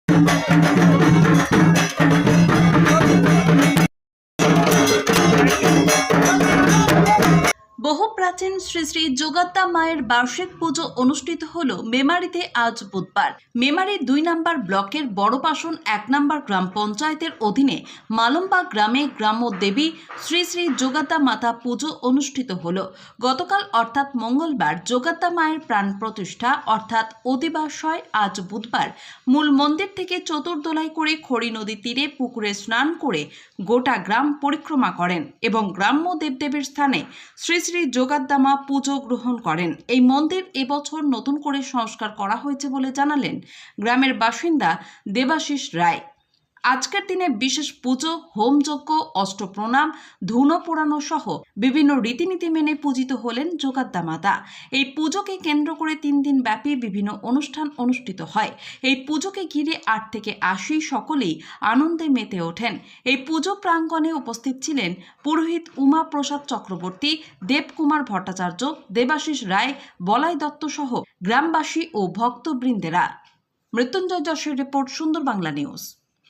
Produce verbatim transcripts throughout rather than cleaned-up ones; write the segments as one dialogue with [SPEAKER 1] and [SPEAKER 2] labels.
[SPEAKER 1] বহু প্রাচীন শ্রী শ্রী যোগাত্তা মায়ের বার্ষিক পুজো অনুষ্ঠিত হল মেমারিতে আজ বুধবার। মেমারি দুই নম্বর ব্লকের বড়পাশন এক নম্বর গ্রাম পঞ্চায়েতের অধীনে মালম্বা গ্রামে গ্রাম্য দেবী শ্রী শ্রী যোগাত্তা মাতা পুজো অনুষ্ঠিত হল। গতকাল অর্থাৎ মঙ্গলবার যোগাত্তা মায়ের প্রাণ প্রতিষ্ঠা অর্থাৎ অধিবাসয় আজ বুধবার মূল মন্দির থেকে চতুর্দোলাই করে খড়ি নদী তীরে পুকুরে স্নান করে গোটা গ্রাম পরিক্রমা করেন এবং গ্রাম্য দেবদেবীর স্থানে শ্রী শ্রী যোগাত্তা মা পুজো গ্রহণ করেন। এই মন্দির এবছর নতুন করে সংস্কার করা হয়েছে বলে জানালেন গ্রামের বাসিন্দা দেবাশিস রায়। আজকের দিনে বিশেষ পুজো, হোমযজ্ঞ, অষ্টপ্রণাম, ধুনো পোড়ানো সহ বিভিন্ন রীতিনীতি মেনে পূজিত হলেন যোগাত্তা মাতা। এই পুজোকে কেন্দ্র করে তিন দিন ব্যাপী বিভিন্ন অনুষ্ঠান অনুষ্ঠিত হয়। এই পুজোকে ঘিরে আট থেকে আশি সকলেই আনন্দে মেতে ওঠেন। এই পুজো প্রাঙ্গণে উপস্থিত ছিলেন পুরোহিত উমা প্রসাদ চক্রবর্তী, দেবকুমার ভট্টাচার্য, দেবাশিস রায়, বলাই দত্ত সহ গ্রামবাসী ও ভক্তবৃন্দেরা। মৃত্যুঞ্জয় যশের রিপোর্ট, সুন্দর বাংলা নিউজ।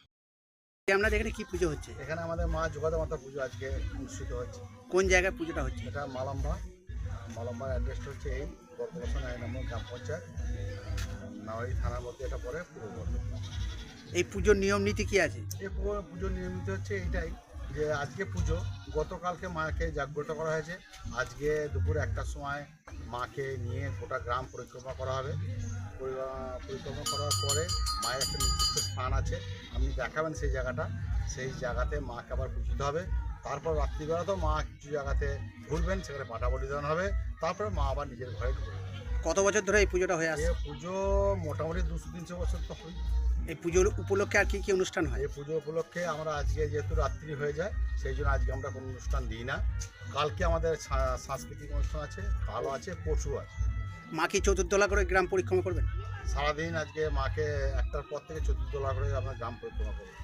[SPEAKER 2] আপনাদের এখানে কি পুজো হচ্ছে?
[SPEAKER 3] এখানে আমাদের মা যোগাত্তা মাতা পুজো আজকে অনুষ্ঠিত হচ্ছে।
[SPEAKER 2] কোন জায়গায় পুজোটা হচ্ছে?
[SPEAKER 3] এটা মালম্বা মালম্বার অ্যাড্রেসটা হচ্ছে এই বর্তমান এক নম্বর গ্রাম পঞ্চায়েত, নাওয়ারি থানার মধ্যে এটা পরে পূর্ব।
[SPEAKER 2] এই পুজোর নিয়ম নীতি কি আছে?
[SPEAKER 3] এই পুজোর নিয়মিত হচ্ছে এইটাই যে আজকে পুজো, গতকালকে মাকে জাগ্রত করা হয়েছে। আজকে দুপুর একটার সময় মাকে নিয়ে গোটা গ্রাম পরিক্রমা করা হবে। পরিক্রমা করার পরে মায়ের একটা নির্দিষ্ট স্থান আছে, আপনি দেখাবেন সেই জায়গাটা, সেই জায়গাতে মাকে আবার পুজোতে হবে। তারপর রাত্রিবেলা তো মা কিছু জায়গাতে ঘুরবেন, সেখানে পাটা বলিদান হবে। তারপরে মা আবার নিজের ঘরে ঢুকবে।
[SPEAKER 2] কত বছর ধরে এই পুজোটা হয়ে আসছে?
[SPEAKER 3] এই পুজো মোটামুটি দুশো তিনশো বছর তো হয়।
[SPEAKER 2] এই পুজোর উপলক্ষে আর কি কি অনুষ্ঠান হয়?
[SPEAKER 3] এই পুজো উপলক্ষে আমরা আজকে যেহেতু রাত্রি হয়ে যায়, সেই জন্য আজকে আমরা কোনো অনুষ্ঠান দিই না। কালকে আমাদের সাংস্কৃতিক অনুষ্ঠান আছে, কালও আছে, পরশু আছে।
[SPEAKER 2] মা কি চতুর্দোলা করে গ্রাম পরিক্রমা করবেন?
[SPEAKER 3] সারাদিন আজকে মাকে একটার পর থেকে চতুর্দোলা করে আমরা গ্রাম পরিক্রমা করবো।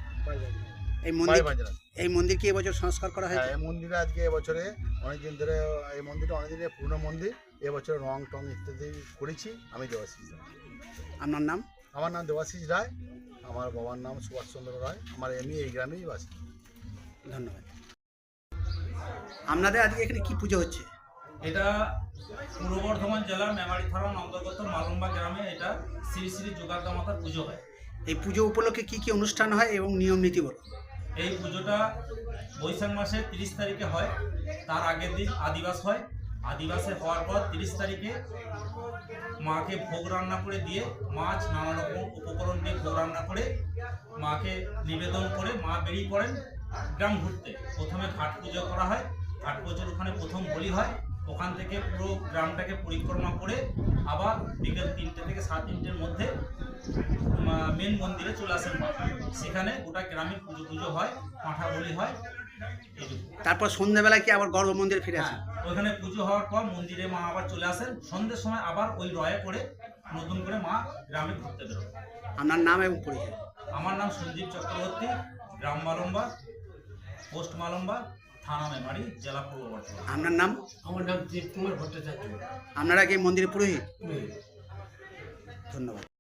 [SPEAKER 2] এই মন্দির এই মন্দির কি এবছর সংস্কার করা হয়েছে?
[SPEAKER 3] এই মন্দিরে আজকে এবছরে অনেকদিন ধরে, এই মন্দিরটা অনেকদিনের পুরনো মন্দির। এবছরে রং টং ইত্যাদি করেছি। আমি দেবাশিস রায়।
[SPEAKER 2] আপনার নাম?
[SPEAKER 3] আমার নাম দেবাশিস রায়, আমার বাবার নাম সুভাষচন্দ্র রায়। আমার এমনি এই গ্রামেই বাসি।
[SPEAKER 2] ধন্যবাদ। আপনাদের আজকে এখানে কি পুজো হচ্ছে?
[SPEAKER 4] এটা পূর্ব বর্ধমান জেলার মেমারি থানার অন্তর্গত মালম্বা গ্রামে এটা শ্রী শ্রী যোগাত্তা মাতার পুজো হয়।
[SPEAKER 2] এই পুজো উপলক্ষে কি কি অনুষ্ঠান হয় এবং নিয়ম নীতি বলো?
[SPEAKER 4] এই পুজোটা বৈশাখ মাসের তিরিশ তারিখে হয়। তার আগের দিন আদিবাস হয়। আদিবাসে হওয়ার পর তিরিশ তারিখে মাকে ভোগ রান্না করে দিয়ে, মাছ নানা রকম উপকরণ দিয়ে ভোগ রান্না করে মাকে নিবেদন করে মা বেরিয়ে পড়েন গ্রাম ঘুরতে। প্রথমে ঘাট পুজো করা হয়। ঘাট পুজোর ওখানে প্রথম বলি হয়। ওখান থেকে পুরো গ্রামটাকে পরিক্রমা করে আবার বিকেল তিনটে থেকে সাড়ে তিনটের মধ্যে মেন মন্দিরে চলে আসেন। সেখানে গোটা গ্রামের পুজো পুজো হয়, পাঁঠা বলি হয়।
[SPEAKER 2] তারপর সন্ধ্যাবেলায় কি আবার গর্ভ মন্দিরে ফিরে আসেন?
[SPEAKER 4] ওইখানে পুজো হওয়ার পর মন্দিরে মা আবার চলে আসেন। সন্ধ্যের সময় আবার ওই রয়ে করে নতুন করে মা গ্রামে ঘুরতে বেরোন।
[SPEAKER 2] আপনার নাম এবং পরিচয়?
[SPEAKER 4] আমার নাম সঞ্জীব চক্রবর্তী, গ্রাম মালম্বা, পোস্ট মালম্বা, থানা মেমারি, জেলা পূর্ব বর্ধমান।
[SPEAKER 2] আপনার নাম?
[SPEAKER 5] আমার নাম দেবকুমার ভট্টাচার্য।
[SPEAKER 2] আপনারা কি মন্দিরে পুরোহিত? ধন্যবাদ।